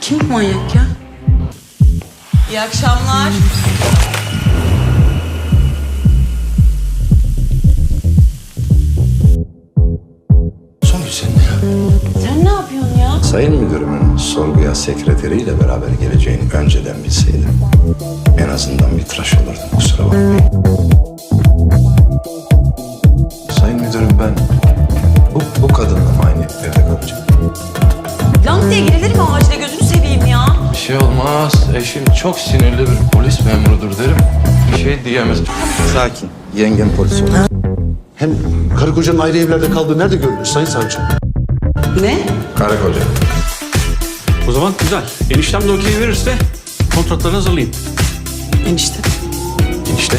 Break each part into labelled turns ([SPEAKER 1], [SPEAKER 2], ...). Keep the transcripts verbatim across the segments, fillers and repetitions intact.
[SPEAKER 1] Kim bu manyak ya? İyi akşamlar.
[SPEAKER 2] Songül sen ne ya?
[SPEAKER 1] Sen ne yapıyorsun ya?
[SPEAKER 2] Sayın müdürümün sorguya sekreteriyle beraber geleceğini önceden bilseydim en azından bir tıraş olurdum, kusura bakmayın. Sayın müdürüm, ben bu, bu kadınla mı aynı evde kalacağım?
[SPEAKER 1] Lang diye girilir mi acile, gözünü seveyim ya?
[SPEAKER 3] Bir şey olmaz. Eşim çok sinirli bir polis memurudur derim. Bir şey diyemez.
[SPEAKER 2] Sakin, yengem polis olur.
[SPEAKER 4] Hem karı kocanın ayrı evlerde kaldığı nerede görülür Sayın Savcı?
[SPEAKER 1] Ne?
[SPEAKER 2] Karı koca.
[SPEAKER 5] O zaman güzel. Eniştem de okey verirse kontratlarını hazırlayayım.
[SPEAKER 1] Enişte.
[SPEAKER 2] İşte.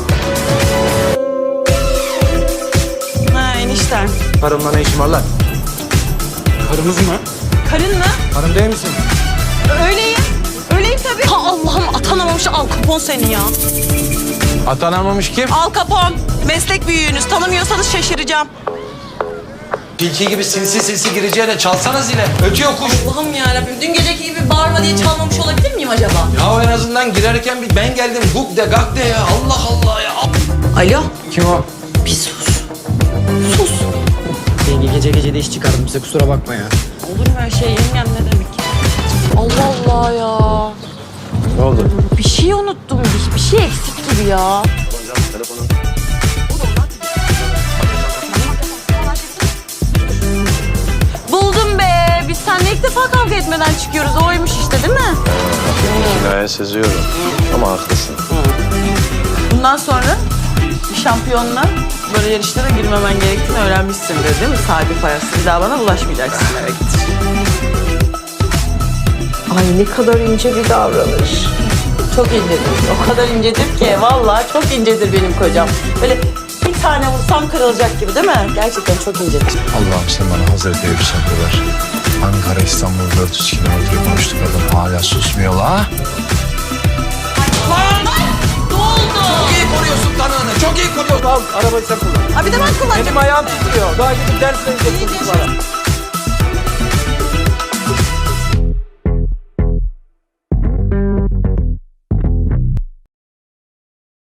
[SPEAKER 1] Ha enişten.
[SPEAKER 3] Karımla ne işim var lan?
[SPEAKER 5] Karımız mı?
[SPEAKER 1] Karın mı?
[SPEAKER 3] Karım değil misin?
[SPEAKER 1] Öyleyim. Öyleyim tabii. Ha Allah'ım, atanamamış Al Capone seni ya.
[SPEAKER 3] Atanamamış kim?
[SPEAKER 1] Al Capone. Meslek büyüğünüz. Tanımıyorsanız şaşıracağım.
[SPEAKER 3] Tilki gibi sinsi sinsi gireceğine çalsana zile. Ötüyor kuş.
[SPEAKER 1] Allah'ım yarabbim. Dün geceki gibi bağırma diye çalmamış olabilir miyim acaba?
[SPEAKER 3] Ya en azından girerken bir ben geldim guk de gak de ya. Allah Allah ya.
[SPEAKER 1] Alo.
[SPEAKER 3] Kim o?
[SPEAKER 1] Bir sus. Sus.
[SPEAKER 6] Yenge gece gece de iş çıkardım size, kusura bakma ya.
[SPEAKER 1] Olur mu öyle şey yengem, ne demek? Allah Allah ya.
[SPEAKER 3] Ne oldu?
[SPEAKER 1] Bir şey unuttum. Bir, bir şey eksik gibi ya. Buldum be. Biz seninle ilk defa kavga etmeden çıkıyoruz. Oymuş işte, değil mi?
[SPEAKER 2] Kinaya seziyorum ama haklısın.
[SPEAKER 1] Bundan sonra bir şampiyonla böyle yarışlara girmemen gerektiğini öğrenmişsindir, değil mi? Sahibi parası. Bir daha bana bulaşmayacaksın demektir. Ay ne kadar ince bir davranış. Çok incedir. O kadar incedir ki vallahi çok incedir benim kocam. Böyle bir tane vursam kırılacak gibi, değil mi? Gerçekten çok incedir.
[SPEAKER 2] Allah'ım sen bana Hazreti Eyüp sabır ver. Ankara İstanbul dört yüz kilometre konuştuk, adam hala susmuyor la.
[SPEAKER 1] Ne oldu?
[SPEAKER 3] Çok iyi koruyorsun tanığını. Çok iyi koruyorsun.
[SPEAKER 6] Al arabayı sen kullan.
[SPEAKER 1] Ha bir de ben kullanacağım.
[SPEAKER 6] Benim ayağım titriyor. Daha gidip ders vereceksin çocuklara.